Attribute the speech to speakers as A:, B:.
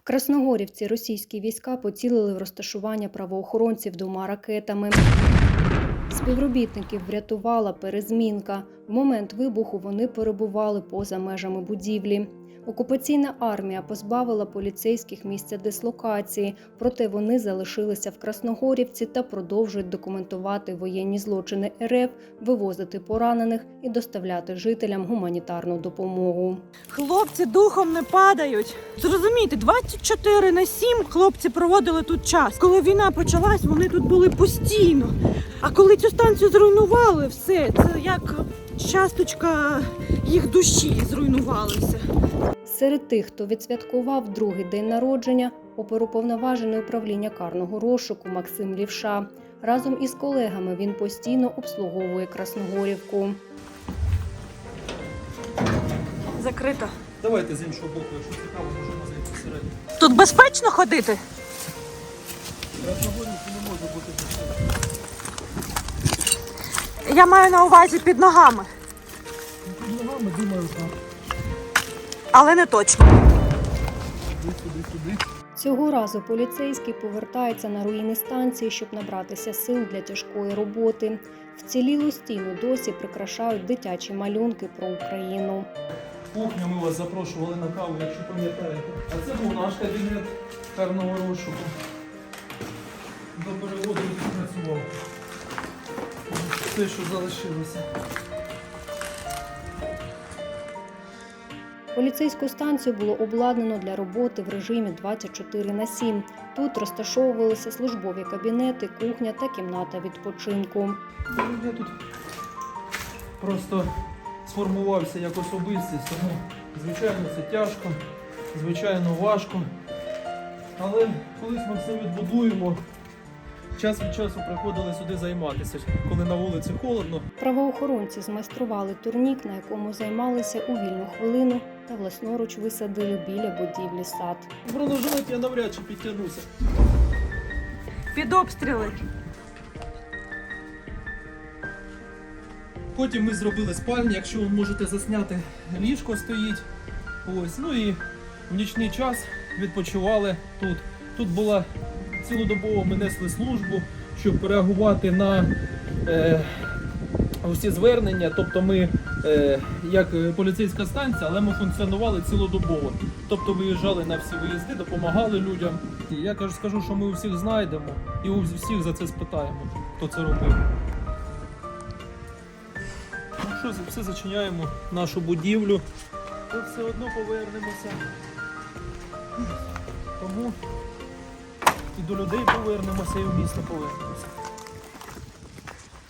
A: Красногорівці російські війська поцілили в розташування правоохоронців 2 ракетами. Співробітників врятувала перезмінка. В момент вибуху вони перебували поза межами будівлі. Окупаційна армія позбавила поліцейських місця дислокації, проте вони залишилися в Красногорівці та продовжують документувати воєнні злочини РФ, вивозити поранених і доставляти жителям гуманітарну допомогу.
B: Хлопці духом не падають. Зрозумійте, 24/7 хлопці проводили тут час. Коли війна почалась, вони тут були постійно. А коли цю станцію зруйнували, все, це як часточка їх душі зруйнувалася.
A: Серед тих, хто відсвяткував другий день народження, оперуповноважений управління карного розшуку Максим Лівша. Разом із колегами він постійно обслуговує Красногорівку.
B: Закрито.
C: Давайте з іншого боку, якщо цікаво, можемо зайти всередину.
B: Тут безпечно ходити?
C: Красногорівці не може бути безпечно.
B: Я маю на увазі під ногами.
C: Під ногами, думаю, так.
B: Але не точно.
C: Сюди.
A: Цього разу поліцейські повертаються на руїни станції, щоб набратися сил для тяжкої роботи. Вцілілу стіну досі прикрашають дитячі малюнки про Україну.
C: Кухню ми вас запрошували на каву, якщо пам'ятаєте. А це був наш кабінет карного розшуку. До переводу працював. Все, що залишилося.
A: Поліцейську станцію було обладнано для роботи в режимі 24/7. Тут розташовувалися службові кабінети, кухня та кімната відпочинку.
C: Я тут просто сформувався як особистість, тому, звичайно, це тяжко, звичайно, важко. Але колись ми все відбудуємо. Час від часу приходили сюди займатися, коли на вулиці холодно.
A: Правоохоронці змайстрували турнік, на якому займалися у вільну хвилину та власноруч висадили біля будівлі сад.
C: В бронежилет я навряд чи підтягнуся.
B: Під обстріли.
C: Потім ми зробили спальню, якщо ви можете засняти, ліжко стоїть. Ось, ну і в нічний час відпочивали тут. Тут була цілодобово, ми несли службу, щоб реагувати на усі звернення. Тобто ми як поліцейська станція, але ми функціонували цілодобово. Тобто виїжджали на всі виїзди, допомагали людям. Я скажу, що ми у всіх знайдемо і у всіх за це спитаємо, хто це робив. Ну що, все зачиняємо нашу будівлю, то все одно повернемося. Тому і до людей повернемося, і в місто повернемося.